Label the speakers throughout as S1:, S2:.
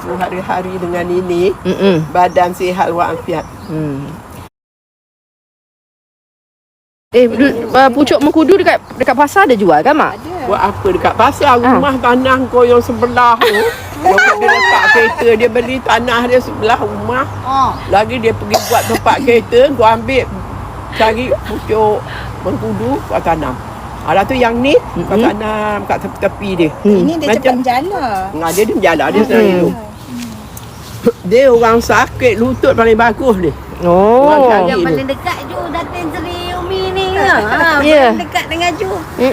S1: aku hari-hari dengan ini. Badan sihat walafiat.
S2: Pucuk mengkudu dekat pasar ada jual kan, Mak?
S1: Buat apa dekat pasar? Rumah tanah kau yang sebelah tu. Dia letak kereta, dia beli tanah dia sebelah rumah. Lagi dia pergi buat tempat kereta, kau ambil cari pucuk mengkudu, kau tanam. Alah tu yang ni, kau tanam kat tepi-tepi dia.
S3: Ini dia cepat menjala.
S1: Dia menjala, dia senang hidup. Dia orang sakit lutut paling bagus ni.
S4: Yang paling dekat Ju Datin Seri Umi ni. Paling dekat dengan Ju.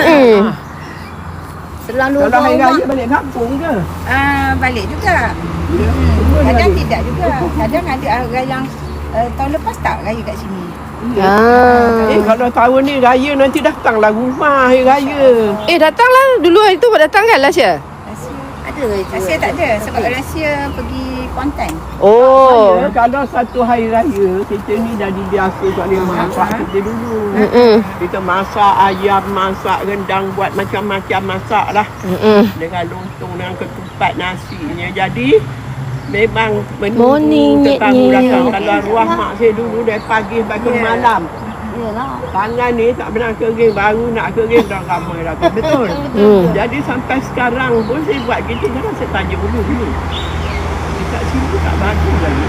S4: Selang dua
S1: Kalau hari
S4: rumah.
S1: raya balik kampung ke?
S3: Balik juga. Kadang tidak juga. Kadang ada orang yang tahun lepas tak raya kat sini.
S1: Kalau tahun ni raya nanti datanglah rumah hari raya.
S2: Datanglah. Dulu hari tu datang kan Lasya?
S4: Ada ke Ju?
S3: Rahsia tak ada. Sebab rahsia pergi Kuantan.
S1: Kalau satu hari raya, kita ni dah dibiasa soalnya masak kita dulu. Kita masak ayam, masak rendang, buat macam-macam masak lah. Dengan lontong, dengan ketupat nasinya. Jadi memang menunggu tetamu datang. Kalau arwah mak saya dulu dari pagi sampai ke malam. Tangan ni tak pernah kering, baru nak kering dah ramai dah. Betul. Jadi sampai sekarang pun saya buat gitu. Kadang saya tanya dulu. Dekat sini tak bagus lagi.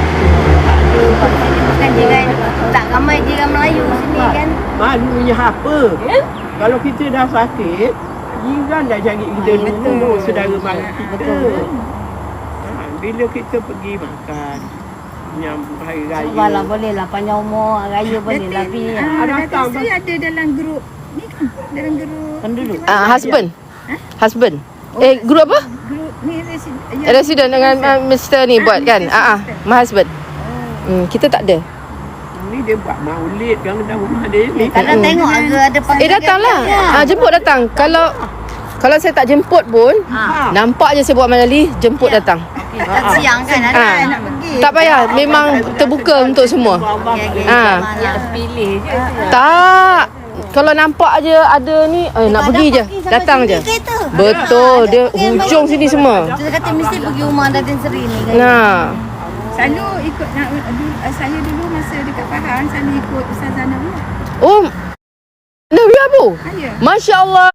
S4: Bukan jiran, tak ramai jiran Melayu sini kan.
S1: Malunya apa? Kalau kita dah sakit, jiran dah cari kita dulu, saudara mara kita. Bila kita pergi makan menyambut hari raya.
S4: Malah boleh lah panjang umur raya boleh lah pi.
S3: Datang saya ada dalam grup ni kan. Dalam grup
S4: penduduk.
S2: Husband. Grup apa?
S3: Grup ni
S2: Resident dengan Mr. ni buat kan? My husband. Kita tak ada.
S1: Ni dia buat maulid kan dalam rumah dia ni.
S4: Kadang tengok ada panggil.
S2: Datanglah. Jemput datang. Kalau saya tak jemput pun, nampak je saya buat Malali, jemput datang.
S4: Siang kan ada nak pergi.
S2: Tak payah, memang terbuka untuk semua.
S4: Pilih je.
S2: Tak. Kalau nampak je ada ni, nak pergi je, datang je. Betul, dia hujung sini semua.
S4: Dia kata mesti pergi rumah Datin Seri ni kan.
S3: Selalu ikut saya dulu masa dekat Pahang selalu ikut Ustazah Nawiyah.
S2: Nawiyah bu? Masya Allah.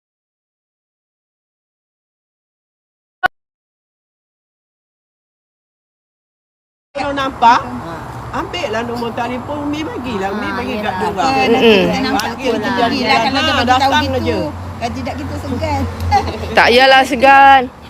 S1: Kalau nampak, ambil lah nombor telefon Umi bagilah. Umi bagi kat dia orang.
S3: Kita nampak pun pergilah kalau dia bagi tahu gitu. Kalau tidak kita segan.
S2: Tak yalah segan.